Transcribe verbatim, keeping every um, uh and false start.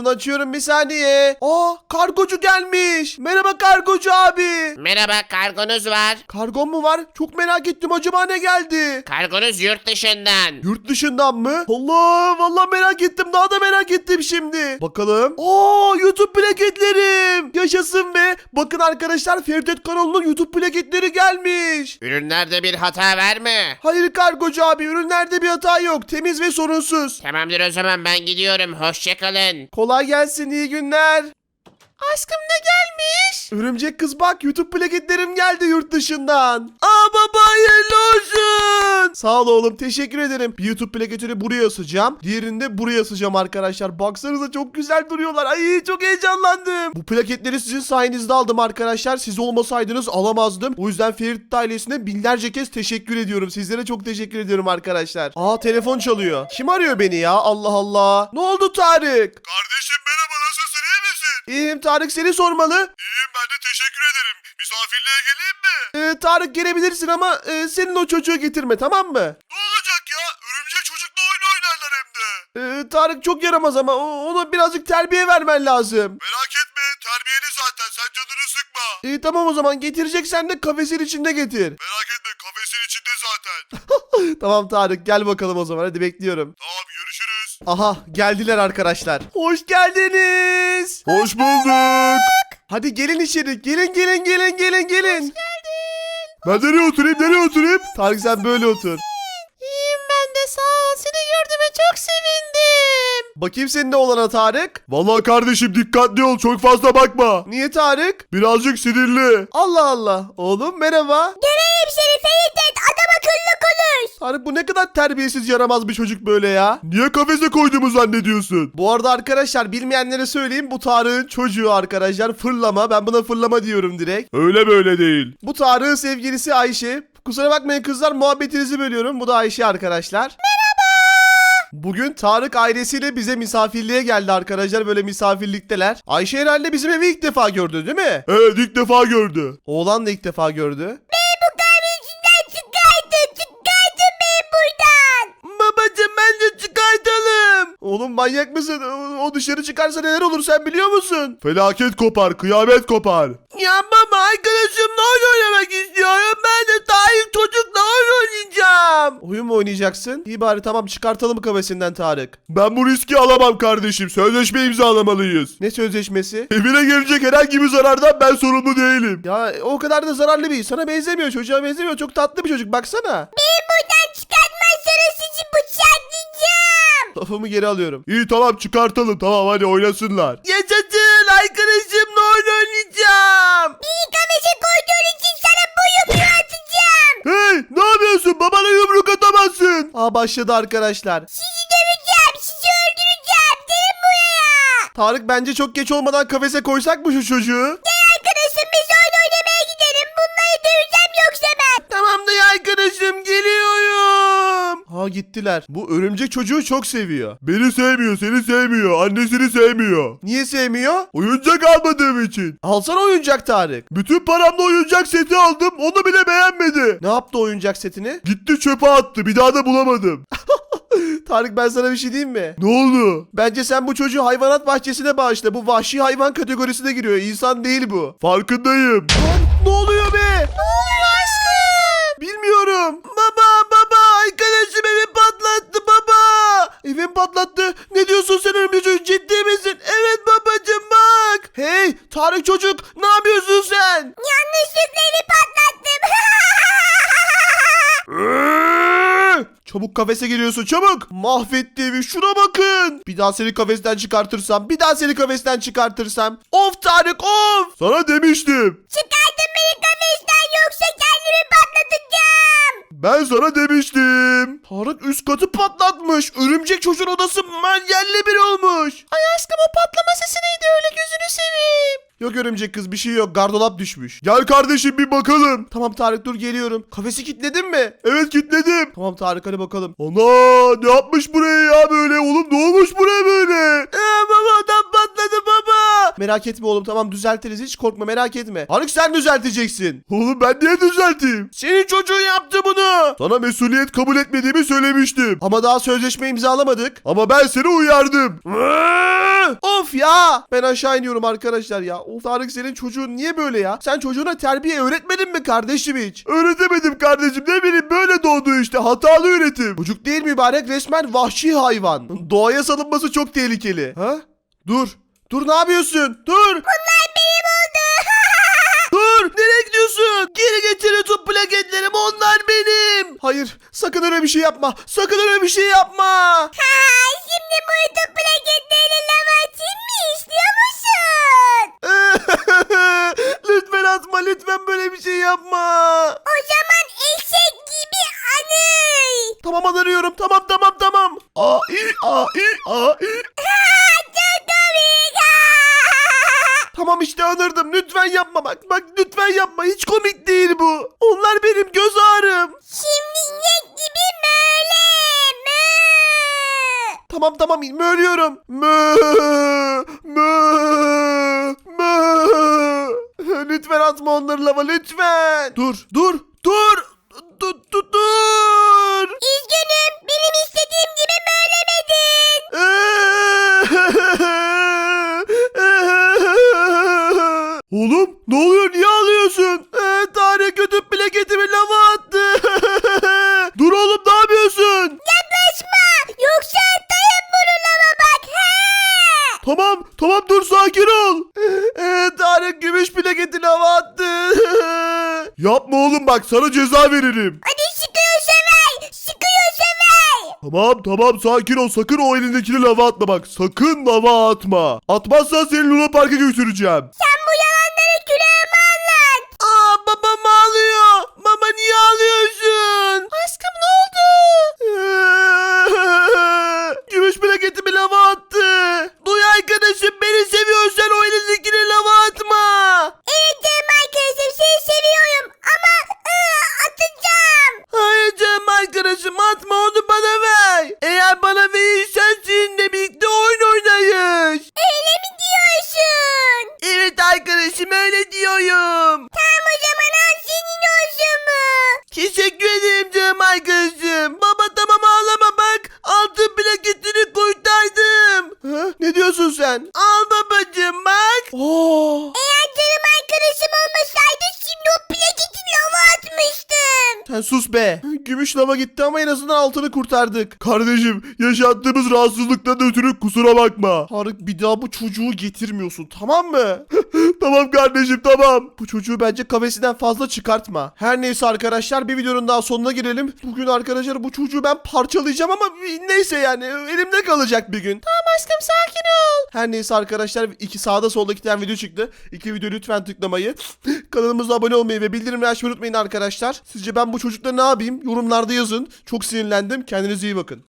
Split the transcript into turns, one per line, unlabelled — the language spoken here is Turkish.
Telefonunu açıyorum bir saniye. Aa, kargocu gelmiş. Merhaba kargocu abi.
Merhaba, kargonuz var.
Kargon mu var? Çok merak ettim, acaba ne geldi?
Kargonuz yurt dışından.
Yurt dışından mı? Allah, vallahi merak ettim, daha da merak ettim şimdi. Bakalım. Aa, YouTube plaketlerim. Yaşasın be. Bakın arkadaşlar, Ferit kanalının YouTube plaketleri gelmiş.
Ürünlerde bir hata var mı?
Hayır kargocu abi, ürünlerde bir hata yok. Temiz ve sorunsuz.
Tamamdır, o zaman ben gidiyorum. Hoşçakalın.
Kolay gelsin, iyi günler. Aşkım ne gelmiş? Örümcek kız bak, YouTube plaketlerim geldi yurt dışından. Aa baba, hayırlı olsun. Sağ ol oğlum, teşekkür ederim. Bir YouTube plaketini buraya asacağım. Diğerini de buraya asacağım arkadaşlar. Baksanıza çok güzel duruyorlar. Ay çok heyecanlandım. Bu plaketleri sizin sayenizde aldım arkadaşlar. Siz olmasaydınız alamazdım. O yüzden Ferit ailesine binlerce kez teşekkür ediyorum. Sizlere çok teşekkür ediyorum arkadaşlar. Aa, telefon çalıyor. Kim arıyor beni ya? Allah Allah. Ne oldu Tarık?
Kardeşim merhaba, nasılsın, iyi misin?
İyiyim Tarık, seni sormalı.
İyiyim, ben de teşekkür ederim. Misafirliğe geleyim mi?
Ee, Tarık gelebilirsin ama e, senin o çocuğu getirme, tamam mı?
Ne olacak ya? Örümcek çocukla oyun oynarlar hem de.
Ee, Tarık çok yaramaz ama o- ona birazcık terbiye vermen lazım.
Merak etme, terbiyeli zaten, sen canını sıkma.
İyi tamam, o zaman getireceksen de kafesin içinde getir.
Merak etme, kafesin içinde zaten.
Tamam Tarık, gel bakalım o zaman, hadi bekliyorum.
Tamam, görüşürüz.
Aha, geldiler arkadaşlar. Hoş geldiniz.
Hoş bulduk.
Hadi gelin içeri, gelin gelin gelin gelin gelin.
Ben nereye oturayım, nereye oturayım?
Tarık sen böyle otur.
İyiyim ben de, sağ ol. Seni gördüğüme çok sevindim.
Bakayım senin ne olana Tarık.
Vallahi kardeşim dikkatli ol, çok fazla bakma.
Niye Tarık?
Birazcık sinirli.
Allah Allah. Oğlum merhaba.
Göreyim seni Ferit, adam akıllı konuş.
Tarık, bu ne kadar terbiyesiz, yaramaz bir çocuk böyle ya.
Niye kafese koyduğumu zannediyorsun?
Bu arada arkadaşlar, bilmeyenlere söyleyeyim, bu Tarık'ın çocuğu arkadaşlar, fırlama. Ben buna fırlama diyorum direkt.
Öyle böyle değil.
Bu Tarık'ın sevgilisi Ayşe. Kusura bakmayın kızlar, muhabbetinizi bölüyorum. Bu da Ayşe arkadaşlar. Merhaba. Bugün Tarık ailesiyle bize misafirliğe geldi arkadaşlar, böyle misafirlikteler. Ayşe herhalde bizim evi ilk defa gördü değil mi?
Evet, ilk defa gördü.
Oğlan da ilk defa gördü. Babacım bence çıkartalım. Oğlum manyak mısın? O- O dışarı çıkarsa neler olur sen biliyor musun?
Felaket kopar, kıyamet kopar.
Ya baba, arkadaşımla oyun oynamak istiyorum. Ben de Tarık çocukla oyun oynayacağım. Oyun mu oynayacaksın? İyi bari, tamam, çıkartalım kafesinden Tarık.
Ben bu riski alamam kardeşim. Sözleşme imzalamalıyız.
Ne sözleşmesi?
Evine gelecek herhangi bir zarardan ben sorumlu değilim.
Ya o kadar da zararlı bir. Sana benzemiyor, çocuğa benzemiyor. Çok tatlı bir çocuk, baksana.
Buradan çıkartmazsanız sizi bıçaklayacağım.
Lafımı geri alıyorum.
İyi tamam, çıkartalım, tamam, hadi oynasınlar.
Yaşasın, arkadaşımla oyun oynayacağım.
İyi kafese koyduğun için sana bu yumruğu atacağım.
Hey, ne yapıyorsun? Babana yumruk atamazsın.
Aa, başladı arkadaşlar.
Sizi döveceğim, sizi öldüreceğim. Gelin buraya.
Tarık, bence çok geç olmadan kafese koysak mı şu çocuğu?
Gel arkadaşım, biz oyun oynamaya gidelim. Bunları döveceğim yoksa ben.
Tamam da arkadaşım, geliyorum. Ha, gittiler. Bu örümcek çocuğu çok seviyor.
Beni sevmiyor, seni sevmiyor, annesini sevmiyor.
Niye sevmiyor?
Oyuncak almadığım için.
Alsana oyuncak Tarık.
Bütün paramla oyuncak seti aldım, onu bile beğenmedi.
Ne yaptı oyuncak setini?
Gitti çöpe attı, bir daha da bulamadım.
Tarık, ben sana bir şey diyeyim mi?
Ne oldu?
Bence sen bu çocuğu hayvanat bahçesine bağışla. Bu vahşi hayvan kategorisine giriyor. İnsan değil bu.
Farkındayım.
Lan, ne oluyor be? Ne oluyor aşkım? Bilmiyorum. Baba baba, arkadaşım evi patlattı baba. Evim patlattı. Ne diyorsun sen örümcek çocuk, ciddi misin? Evet babacım, bak. Hey Tarık çocuk, ne yapıyorsun sen?
Yanlışlıkla evi patlattım.
Çabuk kafese giriyorsun, çabuk. Mahvetti evi, şuna bakın. Bir daha seni kafesten çıkartırsam, bir daha seni kafesten çıkartırsam. Of Tarık, of.
Sana demiştim.
Çıkartın beni kafesten yoksa kendimi patlatacağım.
Ben sana demiştim.
Tarık üst katı patlatmış. Örümcek çocuğun odası yerle bir olmuş. Ay aşkım, o patlama sesi neydi öyle, gözünü seveyim. Yok örümcek kız, bir şey yok, gardolap düşmüş.
Gel kardeşim bir bakalım.
Tamam Tarık, dur geliyorum. Kafesi kilitledin mi?
Evet, kilitledim.
Tamam Tarık, hadi bakalım.
Ana, ne yapmış buraya ya böyle oğlum, ne olmuş buraya böyle?
Ee, baba, adam patladı baba. Merak etme oğlum, tamam düzeltiriz, hiç korkma, merak etme. Tarık, sen düzelteceksin.
Oğlum ben niye düzelteyim?
Senin çocuğun yaptı bunu.
Sana mesuliyet kabul etmediğimi söylemiştim.
Ama daha sözleşme imzalamadık.
Ama ben seni uyardım.
Tüh of ya. Ben aşağı iniyorum arkadaşlar ya. Of Tarık senin çocuğun niye böyle ya? Sen çocuğuna terbiye öğretmedin mi kardeşim hiç?
Öğretemedim kardeşim, ne bileyim, böyle doğdu işte, hatalı üretim.
Çocuk değil mübarek, resmen vahşi hayvan. Doğaya salınması çok tehlikeli. Ha? Dur. Dur ne yapıyorsun? Dur.
Bunlar benim oldu.
Dur. Nereye gidiyorsun? Geri getir YouTube plaketlerim, onlar benim. Hayır sakın öyle bir şey yapma. Sakın öyle bir şey yapma.
Ha, şimdi bu YouTube plaketlerini lava atayım mı istiyor musun?
Lütfen atma, lütfen böyle bir şey yapma.
O zaman eşek gibi anıy.
Tamam anlıyorum. Tamam tamam tamam.
A i a i a i.
Çok komik.
Tamam işte anırdım. Lütfen yapma bak. Bak lütfen yapma. Hiç komik değil bu. Onlar benim göz ağrım.
Şimdi inek gibi böyle. Mö.
Tamam tamam ölüyorum. Mö, mö, mö. Lütfen atma onları lava lütfen. Dur dur dur. Dur dur dur.
Üzgünüm, benim istediğim gibi bölemedin.
Oğlum ne oluyor, niye ağlıyorsun?
Ee, Tarık YouTube plaketimi lava attı.
Dur oğlum, ne yapıyorsun?
Yaklaşma, yoksa atayım bunu lava bak. He.
Tamam tamam, dur, sakin ol.
Ee, Tarık gümüş plaketi lava attı.
Yapma oğlum, bak sana ceza veririm.
Hadi sıkıyorsa ver, sıkıyorsa ver.
Tamam tamam, sakin ol, sakın o elindekini lava atma bak, sakın lava atma. Atmazsan seni Luna Park'a götüreceğim.
Sen bu yalanları külahıma anlat.
Aa babam ağlıyor. Baba niye ağlıyorsun? Aşkım ne oldu? Gümüş plaketimi lava attı. Duy arkadaşım, beni seviyorsan o elindekini lava atma.
Evet canım arkadaşım, seni seviyorum ama ıı, atacağım.
Hayır canım arkadaşım, atma, onu bana ver. Eğer bana verirsen seninle birlikte oyun oynayız.
Öyle mi diyorsun?
Evet arkadaşım, öyle diyorum.
Tamam o zaman al, senin olsun mu?
Teşekkür ederim canım arkadaşım. Baba tamam ağlama bak. Altın plaketini kurtardım. Ha? Ne diyorsun sen? Al babacığım bak. Oo.
Eğer canım arkadaşım olmasaydı şimdi o plaketi lava atmıştım.
Sen sus be. Gümüş lava gitti ama en azından altını kurtardık.
Kardeşim, yaşattığımız rahatsızlıktan ötürü kusura bakma.
Tarık bir daha bu çocuğu getirmiyorsun, tamam mı?
Tamam kardeşim, tamam.
Bu çocuğu bence kafesinden fazla çıkartma. Her neyse arkadaşlar, bir videonun daha sonuna gelelim. Bugün arkadaşlar bu çocuğu ben parçalayacağım ama neyse yani elimde kalacak bir gün. Tamam aşkım, sakin ol. Her neyse arkadaşlar, iki sağda solda iki tane video çıktı. İki video lütfen tıklamayı, kanalımıza abone olmayı ve bildirimleri açmayı unutmayın arkadaşlar. Sizce ben bu çocukla ne yapayım? Yorumlarda yazın. Çok sinirlendim. Kendinize iyi bakın.